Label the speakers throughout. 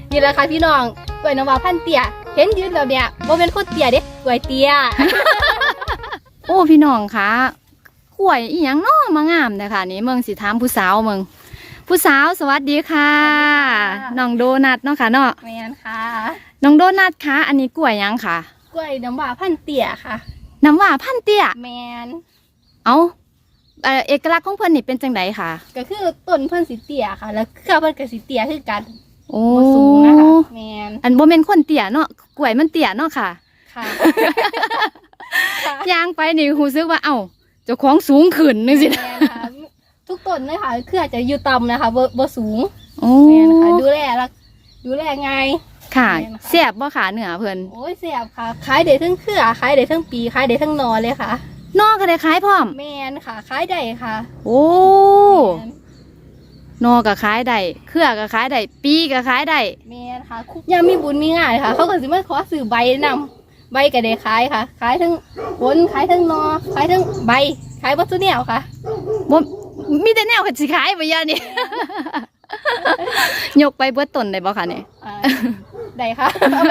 Speaker 1: นี่แหละค่ะพี่น้องกล้วยน้ำว้าพันเตี้ยเห็นยืนแบบเนี้ยบ่เป็นคนเตี้ยเด้กล้วยเตี้ย
Speaker 2: โอ้พี่น้องคะกล้วยอีหยังน้อมางามเลยค่ะนี่เมืองสิถามผู้สาวเมืองผู้สาวสวัสดีค่ะน้องโดนัทเนาะค่ะเนาะ
Speaker 1: แมนค่ะ
Speaker 2: น้องโดนัทคะอันนี้กล้วยหยังค่ะ
Speaker 1: กล้วยน้ำว้าพันเตี้ยค่ะ
Speaker 2: น้ำว่าพันเตี้ย
Speaker 1: แมน
Speaker 2: เอาเอกลักษณ์ของเพิ่นนี่เป็นจังไดค่ะ
Speaker 1: ก็คือต้นเพิ่นสิเตี้ยค่ะ แล้วเครือเพิ่นก็สิเตี้ยคือกัน
Speaker 2: โอ้
Speaker 1: บ่สูงนะคะแมน
Speaker 2: อันบ่แม่นคนเตี้ยเนาะกล้วยมันเตี้ยเนาะค่ะ
Speaker 1: ค่ะ
Speaker 2: ย่างไปนี่รู้สึกว่าเอ้าเจ้าของสูงขึ้นนึงสิ
Speaker 1: แมนค่ะทุกต้นเลยค่ะเครือจะอยู่ต่ำนะคะบ่สูง
Speaker 2: โอ้
Speaker 1: แมนค่ะดูแลง่าย
Speaker 2: ค่ะ
Speaker 1: แม่นค่ะ
Speaker 2: แซ่บบ่ค่ะเนื้อเพิ่น
Speaker 1: โอ้ยเสียบค่ะขายได้ทั้งเครือขายได้ทั้งปีขายได้ทั้งนอเลยค่ะ
Speaker 2: นอกก็ได้ขายพร้อม
Speaker 1: แมนค่ะขายได้ค่ะ
Speaker 2: โอ้
Speaker 1: แม่น
Speaker 2: นอก็ขายได้เครือก็ขายได้ปีก็ขายได้
Speaker 1: แม่นค่ะยามมีบุญมีงานค่ะ เขาก็สิมาขอซื้อใบนำใบก็ได้ขายค่ะ ขายทั้งผลขายทั้งนอขายทั้งใบขายวัตถุแนวค่ะ
Speaker 2: บ่มีแต่แนวก็สิขายบ่ยานี่ ยกไปเบิดต้นได้บ่ค่ะนี่
Speaker 1: อ่าได้ค่ะ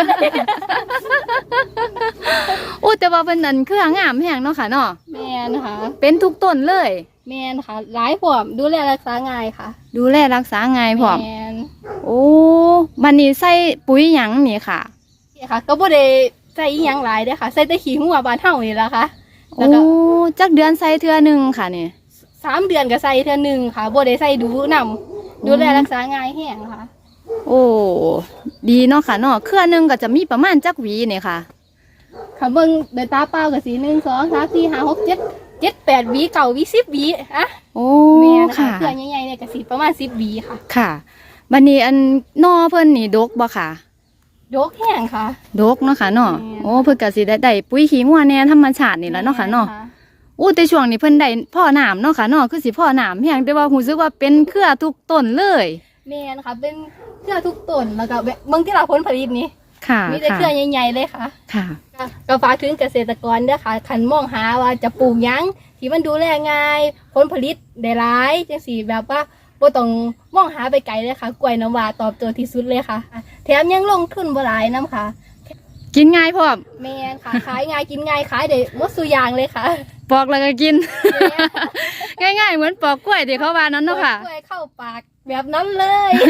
Speaker 2: โอ้แต่ว่าเพิ่นนั่นเครืองามแฮงเนาะค่ะเนาะ
Speaker 1: แม่นค่ะ
Speaker 2: เป็นทุกต้นเลย
Speaker 1: แม่นค่ะหลายพร้อมดูแลรักษาง่ายค่ะ
Speaker 2: ดูแลรักษาง่ายพร้อม
Speaker 1: แม่น
Speaker 2: โอ้บัดนี้ใส่ปุ๋ยหยังนี่ค่ะ
Speaker 1: นี่ค่ะ ก็บ่ได้ใส่อีหยังหลายเด้อค่ะใส่แต่ขี้หัวบ้านเฮานี่ล่ะค่ะ แล้
Speaker 2: โอ้
Speaker 1: วก็
Speaker 2: จักเดือนใส่เทื่อหนึงค่ะนี่
Speaker 1: 3 เดือนก็ใส่เทื่อหนึงค่ะบ่ได้ใส่ดูนำดูแลรักษาง่ายแฮงค่ะ
Speaker 2: โอ้ดีเนาะค่ะเนาะเครือหนึงก็จะมีประมาณจักหวีนี่ค่ะ
Speaker 1: ค่ะเบิ่งโดยตาเปล่าก็สิ1 2 3 4 5 6 7 7 8หวี9หวี10หวีอะ
Speaker 2: โอ้
Speaker 1: แม่นะคะ
Speaker 2: ค่ะ
Speaker 1: เครือใหญ่ๆเนี่ยก็สิประมาณ10หวีค่ะ
Speaker 2: ค่ะบัดนี้อันนอเพิ่นนี่ดกบ่ค่ะ
Speaker 1: ยกแห้งค่ะ
Speaker 2: ดกเนาะค่ะเนาะ
Speaker 1: แม่น
Speaker 2: โอ้เพิ่นก็สิได้ปุ๋ยขี้งัวแหน่ธรรมชาตินี่แหละเนาะค่ะเนาะ
Speaker 1: แม่
Speaker 2: โอ้แต่ช่วงนี้เพิ่นได้พ่อน้ำเนาะค่ะเนาะคือสิพ่อน้ำแฮงแต่ว่ารู้สึกว่าเป็นเครือทุกต้นเลย
Speaker 1: แม่นค่ะเป็นเครือทุกต้นแล้วก็เบิ่งที่เราผลผลิตนี่
Speaker 2: ค่ะ
Speaker 1: มีแต่
Speaker 2: ค่ะ
Speaker 1: เครือใหญ่ๆเลยค่ะ
Speaker 2: ค่ะ
Speaker 1: ก็ฝากถึงเกษตรกรเด้อค่ะคันมองหาว่าจะปลูกหยังที่มันดูแลง่ายผลผลิตได้หลายจังซี่แบบว่าบ่ต้องมองหาไปไกลเลยค่ะกล้วยน้ำว้าตอบโจทย์ที่สุดเลยค่ะ แถมยังลงทุนบ่หลายนํค่ะ
Speaker 2: กินง่ายพร้อม
Speaker 1: แม่นค่ะ ขายง่ายกินง่ายขายได้หมดซุอย่างเลยค่ะ
Speaker 2: ปอกแล้วก็กิน
Speaker 1: แม่น
Speaker 2: ง่ายๆเหมือนปอกกล้วยที่เขาว่านั้นเนาะค่ะ
Speaker 1: กล้วยเข้าปากแบบนั้นเลย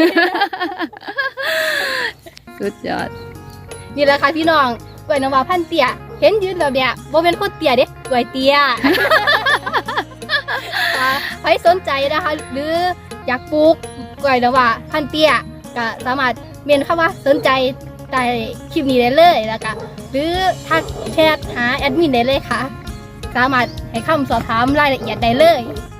Speaker 2: สุดยอด
Speaker 1: นี่แหละค่ะพี่น้องกล้วยน้ำว้าพันเตี้ยเห็นยืนแบบเนี้ยบ่เป็นคนเตี้ยเด้กล้วยเตี้ย ค่ะใครสนใจนะคะ หรืออยากปลูกกล้วยน้ำว้าพันเตี้ยก็สามารถเมนคำว่าสนใจใต้คลิปนี้ได้เลยแล้วก็หรือทักแชทหาแอดมินได้เลยค่ะ สามารถให้คำสอบถามรายละเอียดได้เลย